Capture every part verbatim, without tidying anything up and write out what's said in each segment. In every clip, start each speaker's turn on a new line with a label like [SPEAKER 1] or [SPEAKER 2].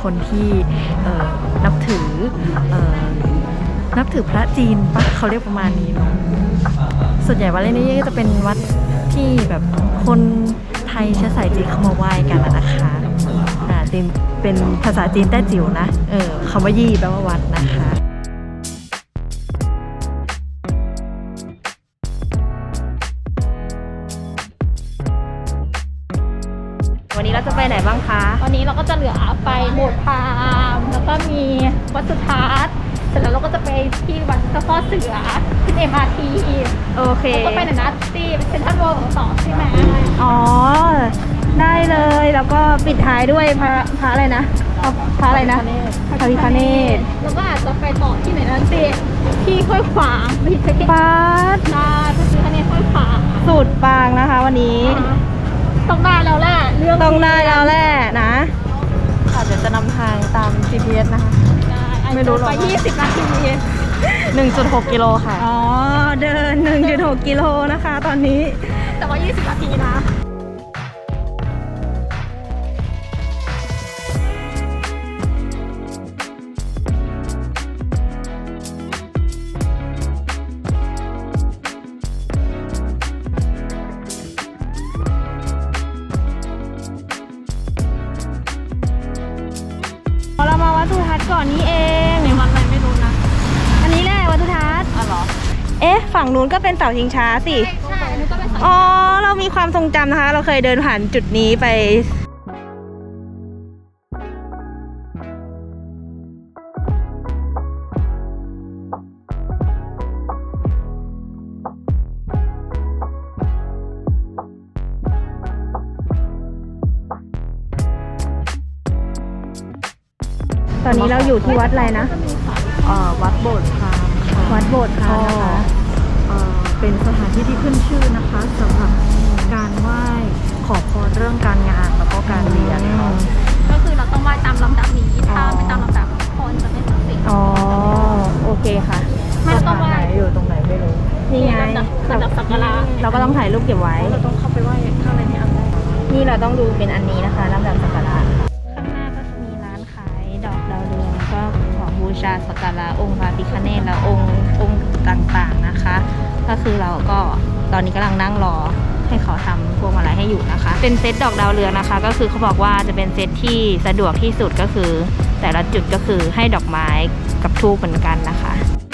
[SPEAKER 1] คนที่นับถือนับถือพระจีนปะเขาเรียกประมาณนี้เนาะส่วนใหญ่วัดนี้ก็จะเป็นวัดที่แบบคนไทยเชื้อสายจีนเข้ามาไหว้กันนะคะอ่าจีนเป็นภาษาจีนแต้จิ๋วนะเออคำว่ายี่แปลว่าวัดนะคะวันนี้เราจะไปไหนบ้างคะ
[SPEAKER 2] วันนี้เราก็จะเหลือไปโบสถ์พราหมณ์แล้วก็มีวัดสุทัศน์เสร็จแล้วเราก็จะไปที่วัดเจ้าพ่อเสือที่เอ็มอาร์ที
[SPEAKER 1] โอเค
[SPEAKER 2] แล้วก็ไปไหนนะที่เซ็นทรัลเวิลด์ต่อใช่ไหม
[SPEAKER 1] อ๋อได้เลยแล้วก็ปิดท้ายด้วยพระพระอะไรนะพระอะไรนะพระพิฆเนศ
[SPEAKER 2] แล้วก็อาจจะไปต่อที่ไหนนะสิที่ห้วยขวางไปที่เช็ค
[SPEAKER 1] ปาด
[SPEAKER 2] ใช่พระพิฆเนศห้วยขวาง
[SPEAKER 1] สูตรปางนะคะวันนี้
[SPEAKER 2] ต้องได้แล้วแหละเรื่อง
[SPEAKER 1] ต้องได้แล้วแหละนะค่ะเดี๋ยวจะนำทางตาม จี พี เอส นะคะ
[SPEAKER 2] ไม่รู้หรอกไปยี่สิบนาที
[SPEAKER 1] หนึ่งจุดหก กิโลค่ะ
[SPEAKER 2] อ๋อเดิน
[SPEAKER 1] หนึ่งจุดหก กิโลนะคะตอนนี้
[SPEAKER 2] แต่ว่ายี่สิบนาทีนะ
[SPEAKER 1] เรามาวัดสุทัศน์ก่อนนี้เอง
[SPEAKER 2] ในวัดอะไรไม่รู้นะ
[SPEAKER 1] อันนี้แหละวัดสุทัศน์
[SPEAKER 2] อ๋อเหรอ
[SPEAKER 1] เอ๊ะฝั่งนู้นก็เป็นเสาชิงช้าสิ
[SPEAKER 2] ใช่อันนี้ก็เป็นเสา
[SPEAKER 1] อ๋อเรามีความทรงจำนะคะเราเคยเดินผ่านจุดนี้ไปตอนนี้เราอยู่ที่วัดอะไรนะ
[SPEAKER 2] เอ่อวัดโบสถ์พราหมณ์ค่ะ
[SPEAKER 1] วัดโบสถ์พราหมณ์นะคะ
[SPEAKER 2] เอ่อเป็นสถานที่ที่ขึ้นชื่อนะคะสำหรับการไหว้ขอพรเรื่องการงานแล้วก็การเรียนค่ะก็คือเราต้องไหว้ตามลำดับนี้ถ้าไม่ตามลำดับคนจะไม่ศักดิ์สิทธิ์
[SPEAKER 1] อ๋อโอเคค่ะ
[SPEAKER 2] ไม่ต้องไหว้
[SPEAKER 1] อยู่ตรงไหนไม่รู้นี่ไง
[SPEAKER 2] ลำดับสักการะ
[SPEAKER 1] เราก็ต้องถ่ายรูปเก็บไว้
[SPEAKER 2] เราต้องเข้าไปไหว้ข้างในนี้อันแรก
[SPEAKER 1] นี่เราต้องดูเป็นอันนี้นะคะลำดับสักการะข้างหน้าก็จะมีร้านขายดอกดาวเรืองก็ของบูชาสักการะองค์พระพิฆเนศและองค์องค์ต่างๆนะคะก็คือเราก็ตอนนี้กำลังนั่งรอให้เขาทำพวงมาลัยให้อยู่นะคะเป็นเซตดอกดาวเรืองนะคะก็คือเขาบอกว่าจะเป็นเซตที่สะดวกที่สุดก็คือแต่ละจุดก็คือให้ดอกไม้กับธูปเหมือนกันนะคะ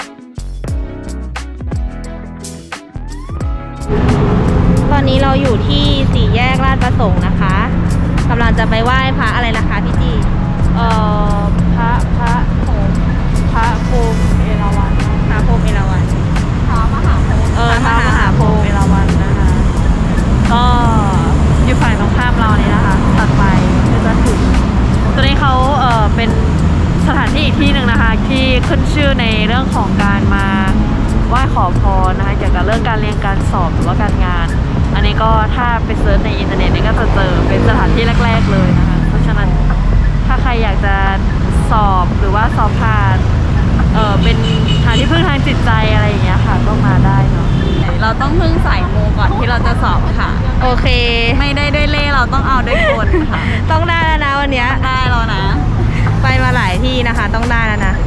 [SPEAKER 1] ตอนนี้เราอยู่ที่สี่แยกลาดประสงค์นะคะกำลังจะไปไหว้พระอะไรนะคะพี่จี
[SPEAKER 2] เอ่อพระพระโหมพระโพมเอราวัณ
[SPEAKER 1] พระโพมเอราวัณ
[SPEAKER 2] พระมหาโพม
[SPEAKER 1] เออพระมหาโพมเอราวัณนะคะก็อยู่ฝ่ายตรงข้ามเรานี่นะคะตัดไปก็จะถึงตัวนี้เขาเออเป็นสถานที่อีกที่หนึ่งนะคะที่ขึ้นชื่อในเรื่องของการมาไหว้ขอพรนะคะเกี่ยวกับเรื่องการเรียนการสอบหรือว่าการงานอันนี้ก็ถ้าไปเซิร์ชในอินเทอร์เน็ตนี่ก็จะเจอเป็นสถานที่แรกๆเลยนะคะเพราะฉะนั้นถ้าใครอยากจะสอบหรือว่าสอบผ่านเออเป็นทางที่พึ่งทางจิตใจอะไรอย่างเงี้ยค่ะก็มาได้เนาะ
[SPEAKER 2] เราต้องพึ่งสายมูก่อนที่เราจะสอบค่ะ
[SPEAKER 1] โอเค
[SPEAKER 2] ไม่ได้ด้วยเล่เราต้องเอาด้วยกลค่ะ
[SPEAKER 1] ต้องได้แล้วนะวันนี้
[SPEAKER 2] ได้แล้วนะ
[SPEAKER 1] ไปมาหลายที่นะคะต้องได้แล้วนะ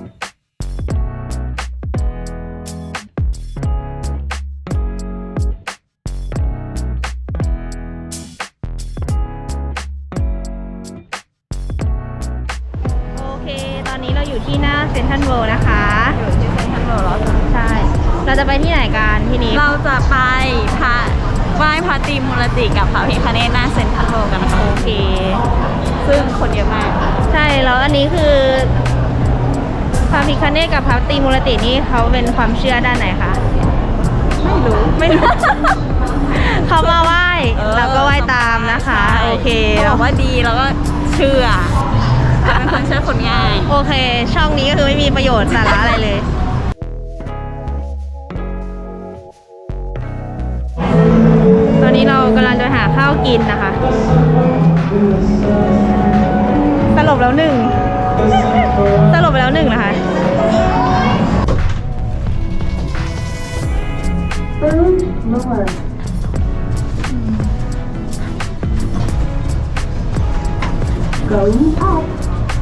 [SPEAKER 1] ตอนนี้เราอยู่ที่หน้าเซ็นทรัลเวิลด์นะคะ
[SPEAKER 2] อยู่ที่เซ็นทรัลเวิลด์เหรอ
[SPEAKER 1] ใช่เราจะไปที่ไหนกันที่นี้
[SPEAKER 2] เราจะไปพระไหว้พระตรีมูรติกับพระพิฆเนศหน้าเซ็นทรัลเวิลด์กันนะคะ
[SPEAKER 1] โอเค
[SPEAKER 2] ซึ่งคนเยอะมาก
[SPEAKER 1] ใช่แล้วอันนี้คือพระพิฆเนศกับพระตรีมูรตินี่เขาเป็นความเชื่อด้านไหนคะ
[SPEAKER 2] ไม่รู้
[SPEAKER 1] ไม่รู้ เขามาไหว้เราก็ไหว้ตามนะคะโอเค
[SPEAKER 2] เราว่าดีแล้วก็เชื่อเป็นคนเชื่อคนง่าย
[SPEAKER 1] โอเคช่องนี้ก็คือไม่มีประโยชน์สาระอะไรเลยตอนนี้เรากำลังจะหาข้าวกินนะคะสลบแล้วหนึ่งสลบไปแล้วหนึ่งนะคะ
[SPEAKER 2] Going up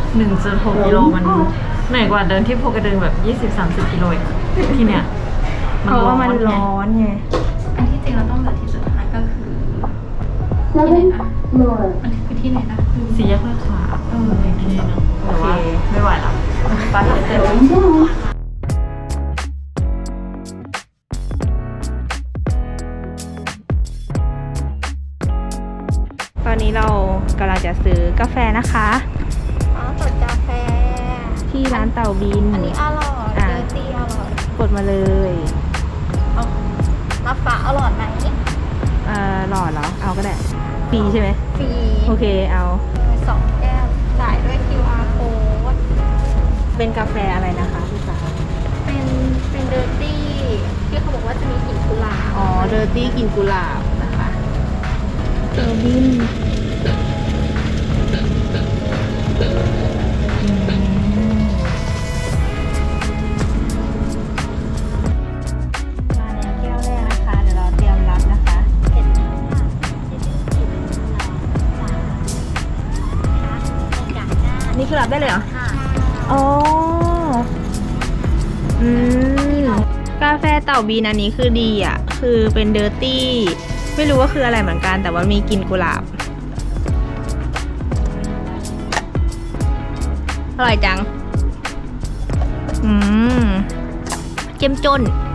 [SPEAKER 1] หนึ่งจุดหกกิโลมันเหนื่อยกว่าเดินที่ภูกระดึงแบบยี่สิบสามสิบกิโลเองที่เนี้ย
[SPEAKER 2] เพราะว่ามันร้อนไง
[SPEAKER 3] อันที่จริงเราต้องเหลือที่สุดท้ายก็คือที่ไหนนะมันคือที่ไหนนะ
[SPEAKER 1] สี่แยกลาดพร้าวเอออีกทีนึงโอเคไม่ไหวแล้วไปเจอกัน
[SPEAKER 2] ตอนนี้เรากำลังจะซื้อกาแฟนะคะ
[SPEAKER 3] อ๋อสดกาแฟ
[SPEAKER 2] ที่ร้านเต่าบิน
[SPEAKER 3] อันนี้อร่อย
[SPEAKER 2] อ่ะ
[SPEAKER 3] เดอร์ตี้อร่อย
[SPEAKER 2] กดมาเลย
[SPEAKER 3] เอาน้ำฟ้าอร่อยไหม
[SPEAKER 2] เอ่อหล่อเหรอ เอาก็ได้ฟรีใช่ไหม
[SPEAKER 3] ฟรี
[SPEAKER 2] โอเคเอา
[SPEAKER 3] สองแก้วจ่ายด้วย คิว อาร์ code
[SPEAKER 2] เป็นกาแฟอะไรนะคะพี่สาว
[SPEAKER 3] เป็นเป็นเดอร์ตี้ที่เขาบอกว่าจะมีกลิ่นกุหลาบ
[SPEAKER 2] อ๋อเดอร์ตี้กินกุหลาบนะคะเต่าบินมาแล้วแก้วแรกนะคะ เดี๋ยวเราเตรียมรับนะคะ
[SPEAKER 3] เผ็ดมากที่เป็นกลิ่นกุหลาบจากหน้า
[SPEAKER 2] นี่คือรับได้เลยเหรอ
[SPEAKER 3] ค่ะ
[SPEAKER 2] อ๋อ อืม กาแฟเต่าบีนอันนี้คือดีอ่ะ คือเป็นเดอร์ตี้ ไม่รู้ว่าคืออะไรเหมือนกัน แต่ว่ามีกลิ่นกุหลาบ อร่อยจัง อืม เจ้มจน